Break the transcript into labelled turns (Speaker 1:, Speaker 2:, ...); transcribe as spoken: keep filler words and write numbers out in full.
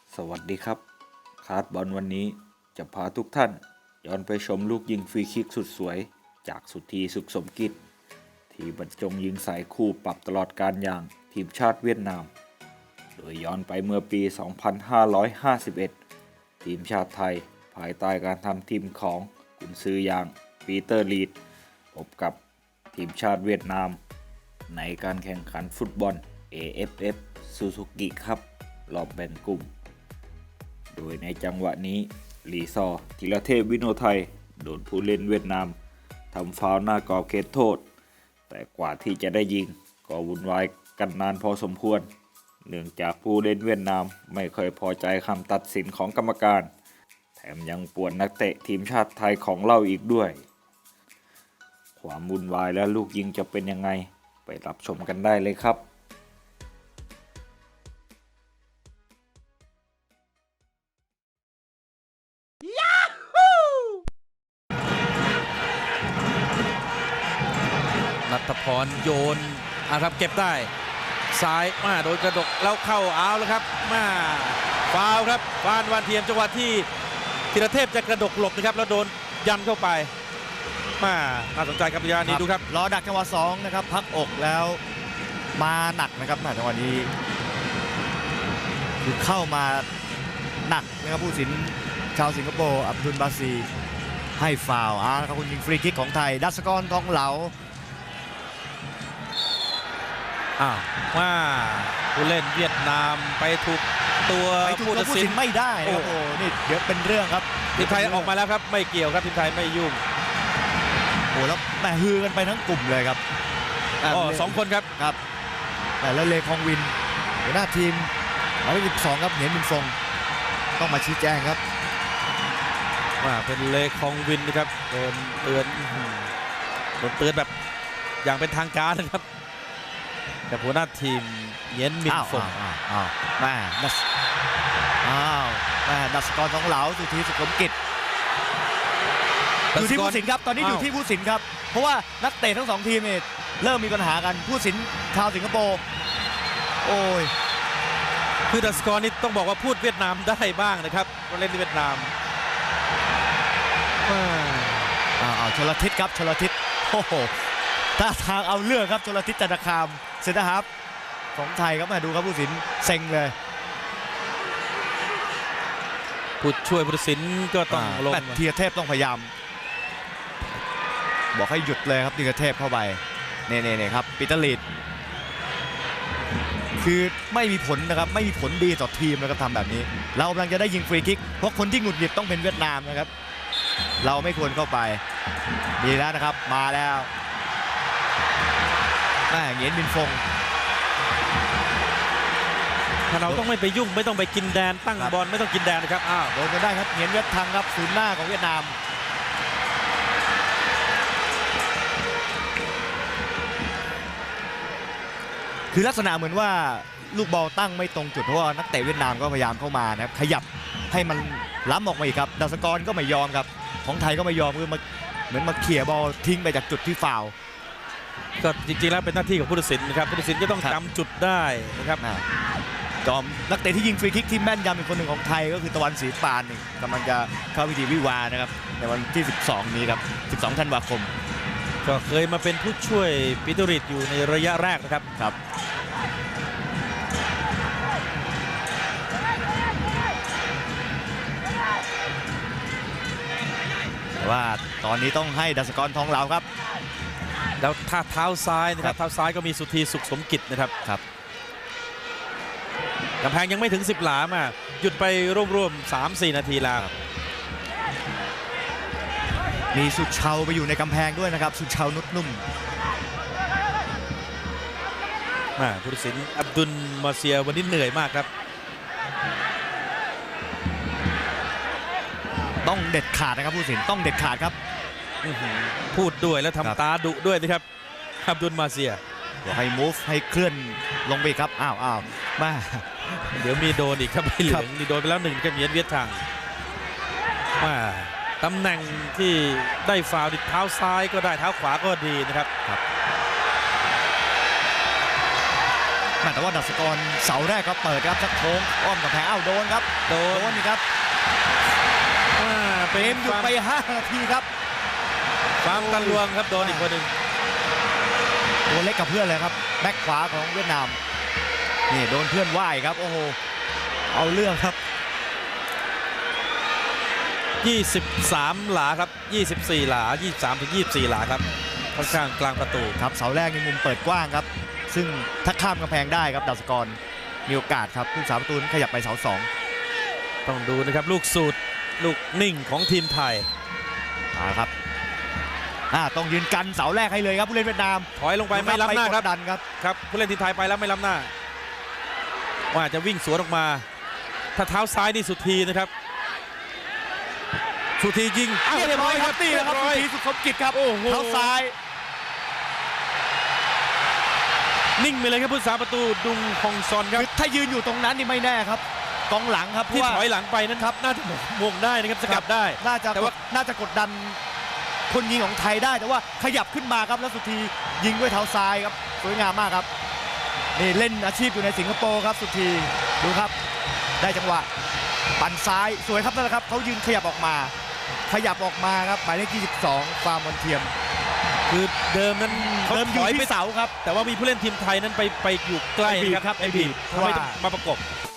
Speaker 1: สวัสดีครับคาร์ดบอลวันนี้จะพาทุกท่านย้อนไปชมลูกยิงฟรีคิกสุดสวยจากสุธีสุขสมกิจที่บรรจงยิงสายคู่ปรับตลอดการอย่างทีมชาติเวียดนามโดยย้อนไปเมื่อปี สองพันห้าร้อยห้าสิบเอ็ด ทีมชาติไทยภายใต้การทำทีมของกุนซืออย่างปีเตอร์ลีดพบกับทีมชาติเวียดนามในการแข่งขันฟุตบอล เอ เอฟ เอฟ Suzuki Cup รอบแบ่งกลุ่มโดยในจังหวะนี้ลีซอร์ธีรเทพวิโนไทยโดนผู้เล่นเวียดนามทำฟาวล์หน้ากรอบเขตโทษแต่กว่าที่จะได้ยิงก็วุ่นวายกันนานพอสมควรเนื่องจากผู้เล่นเวียดนามไม่เคยพอใจคำตัดสินของกรรมการแถมยังป่วนนักเตะทีมชาติไทยของเราอีกด้วยความวุ่นวายและลูกยิงจะเป็นยังไงไปรับชมกันได้เลยครับ
Speaker 2: นัทพรโยนอ่ะครับเก็บได้ซ้ายมาโดนกระดกแล้วเข้าเอาแล้วครับมาฟาวครับฟานวานเทียมจังหวะที่ธีรเทพจะกระดกหลบนะครับแล้วโดนยันเข้าไปมาน่าสนใจครับระยะนี้ดูครับ
Speaker 3: รอดักจังหวะสองนะครับพักอกแล้วมาหนักนะครับจังหวะนี้คือเข้ามาหนักนะครับผู้สินชาวสิงคโปร์อับดุลบาซีให้ฟาวล์อ่าครับคุณยิงฟรีคิกของไทยดัชกรทองเหลา
Speaker 2: อ้าวว่าผู้เล่นเวียดนามไปถูกตัว
Speaker 3: ไปถูกตัวผู้สินไม่ได้นะครับโอ้นี่เดี๋ยวเป็นเรื่องครับ
Speaker 2: ทีมไทยออกมาแล้วครับไม่เกี่ยวครับทีมไทยไม่ยุ่ง
Speaker 3: โอ้แล้วแม่ฮือกันไปทั้งกลุ่มเลยครับ
Speaker 2: อ๋อสองคนครับ
Speaker 3: ครับแต่แล้วเลคองวินหัวหน้าทีมหมายเลขสิบสองครับเหนียนมินฟงต้องมาชี้แจงครับ
Speaker 2: ว่าเป็นเลคองวินนะครับโดนเตือนโดนเตือนแบบอย่างเป็นทางการนะครับแต่หัวหน้าทีมเหนียนมินฟง
Speaker 3: อ้าวอ้าวแม่ดัสอ้าวแม่ดัชกรทองเหลาสุธีสุขสมกิจอยู่ที่ผู้สินครับตอนนี้อยู่ที่ผู้สินครับเพราะว่านักเตะทั้งสองทีมเนี่ยเริ่มมีปัญหากันผู้สินชาวสิงคโปร์โอ้ย
Speaker 2: คือดัชกรนี่ต้องบอกว่าพูดเวียดนามได้บ้างนะครับก็เล่นที่เวียดนาม
Speaker 3: อ้าวชลทิศครับชลทิศโอ้โหท่าทางเอาเรื่องครับชลทิศจันทคามเซนเตอร์ฮาล์ฟของไทยครับมาดูครับผู้สินเซ็งเลย
Speaker 2: ผู้ช่วยผู้ตัดสินก็ต้องลง
Speaker 3: ธีรเทพต้องพยายามบอกให้หยุดเลยครับธีรเทพเข้าไปเน่ๆครับปีเตอร์ลีดคือไม่มีผลนะครับไม่มีผลดีต่อทีมนะครับทำแบบนี้เรากำลังจะได้ยิงฟรีคิกเพราะคนที่หงุดหงิดต้องเป็นเวียดนามนะครับเราไม่ควรเข้าไปดีแล้วนะครับมาแล้วแม่เหงียนมินฟง
Speaker 2: ถ้าเราต้องไม่ไปยุ่งไม่ต้องไปกินแดนตั้งบอลไม่ต้องกินแดนนะครับอ้าว
Speaker 3: โดนกันได้ครับเหงียนเวียดทังครับศูนย์หน้าของเวียดนามคือลักษณะเหมือนว่าลูกบอลตั้งไม่ตรงจุดเพราะว่านักเตะเวียดนามก็พยายามเข้ามานะครับขยับให้มันล้ำออกมาอีกครับดัชกรก็ไม่ยอมครับของไทยก็ไม่ยอมคือมาเหมือนมาเขี่ยบอลทิ้งไปจากจุดที่ฟาวล์
Speaker 2: ก็จริงๆแล้วเป็นหน้าที่ของผู้ตัดสินนะครับผู้ตัดสินก็ต้องจำจุดได้นะครับ
Speaker 3: จอมนักเตะที่ยิงฟรีคิกที่แม่นยำอีกคนหนึ่งของไทยก็คือตะวันศรีปานนี่กำลังจะเข้าพิธีวิวานะครับในวันที่สิบสองนี้ครับสิบสองธันวาคม
Speaker 2: ก็เคยมาเป็นผู้ช่วยปิตุริตอยู่ในระยะแรกนะครับ
Speaker 3: ครับว่าตอนนี้ต้องให้ดัชกรทองเหลาครับ
Speaker 2: แล้วท่าเท้าซ้ายนะครับเท้าซ้ายก็มีสุธีสุขสมกิจนะครับ
Speaker 3: ครับ
Speaker 2: กำแพงยังไม่ถึงสิบหลามาหยุดไปร่วมๆ สามสี่ นาทีแล้ว
Speaker 3: มีสุดเชาไปอยู่ในกำแพงด้วยนะครับสุดเชานุดนุ่ม
Speaker 2: ผู้ตัดสินอับดุลมาเซียวันนี้เหนื่อยมากครับ
Speaker 3: ต้องเด็ดขาดนะครับผู้ตัดสินต้องเด็ดขาดครับ
Speaker 2: พูดด้วยแล้วทำตาดุด้วยนะครับอับดุลมาเซีย
Speaker 3: บอกให้ move ให้เคลื่อนลงไปครับอ้าวอ้าวมา
Speaker 2: เดี๋ยวมีโดนอีกครับไม่เหลืองมีโดนไปแล้วหนึ่งกับเหงียนเวียดทังมาตำแหน่งที่ได้ฟาวล์เท้าซ้ายก็ได้เท้าขวาก็ดีนะครับ
Speaker 3: ครับแหมแต่ว่าดัชกรเสาแรกก็เปิดครับชักโค้งอ้อมกับแผงอ้าวโดนครับ
Speaker 2: โด
Speaker 3: โด
Speaker 2: น
Speaker 3: นนี่ครับ
Speaker 2: อ่า
Speaker 3: เก
Speaker 2: เป็น
Speaker 3: มหยุดไปห้านาทีครับ
Speaker 2: ความตันลวงครับโดนอีกคนหนึ่ง
Speaker 3: ตัวเล็กกับเพื่อนเลยครับแบ็คขวาของเวียดนามนี่โดนเพื่อนว่ายครับโอ้โหเอาเรื่องครับ
Speaker 2: ยี่สิบสามหลาครับยี่สิบสี่หลายี่สิบสามถึงยี่สิบสี่หลาครับค่อนข้างกลางประตู
Speaker 3: ครับเสาแรกในมุมเปิดกว้างครับซึ่งถ้าข้ามกำแพงได้ครับดัชกรมีโอกาสครับผู้สาประตูขยับไปเสาสอง
Speaker 2: ต้องดูนะครับลูกสูตรลูกนิ่งของทีมไทย
Speaker 3: มาครับอ่าต้องยืนกันเสาแรกให้เลยครับผู้เล่นเวียดนาม
Speaker 2: ถอยลงไปไม่ล้ำหน้าครับ
Speaker 3: กดดันครับ
Speaker 2: ครับผู้เล่นทีมไทยไปแล้วไม่ล้ำหน้าว่าจะวิ่งสวนออกมาถ้าเท้าซ้ายนี่สุดทีนะครับสุดทียิงอ้าว
Speaker 3: เรี
Speaker 2: เรี
Speaker 3: ย
Speaker 2: ย
Speaker 3: บบ ร้
Speaker 2: ร้
Speaker 3: อ
Speaker 2: อย ย
Speaker 3: ค
Speaker 2: ค
Speaker 3: รั
Speaker 2: รั
Speaker 3: บบ นี่แหละครับ
Speaker 2: เย
Speaker 3: สุ
Speaker 2: อย
Speaker 3: ธีสุขสมกิจครับ
Speaker 2: โอ้โห
Speaker 3: เท้าซ้าย
Speaker 2: นิ่งไปเลยครับผู้สาประตูดุงฮองซอนครับ
Speaker 3: คือถ้ายืนอยู่ตรงนั้นนี่ไม่แน่ครับกองหลังครับเพ
Speaker 2: ที่
Speaker 3: ราะว่า
Speaker 2: ถอยหลังไปนั้นครับน่าจะมงได้นะครับสกัดได้
Speaker 3: น่าจะ
Speaker 2: แต่ว่า
Speaker 3: น่าจะกดดันคนยิงของไทยได้แต่ว่าขยับขึ้นมาครับแล้วสุธียิงด้วยเท้าซ้ายครับสวยงามมากครับนี่เล่นอาชีพอยู่ในสิงคโปร์ครับสุธีดูครับได้จังหวะปั่นซ้ายสวยครับนั่นแหละครับเขายืนขยับออกมา ขยับออกมาครับหมายเลขยี่สิบสองฟาร์มวันเทียม
Speaker 2: คือเดิมนั้นเขา
Speaker 3: เดิมอ
Speaker 2: ถ
Speaker 3: ยู่
Speaker 2: อยไป
Speaker 3: ที่เสาครับ
Speaker 2: แต่ว่ามีผู้เล่นทีมไทยนั้นไปไปอยู่ใกล้นะครับ
Speaker 3: ไปบีบ
Speaker 2: ไอ้บีบ
Speaker 3: เพราะว่า
Speaker 2: ทำให้ต้องมาประกบ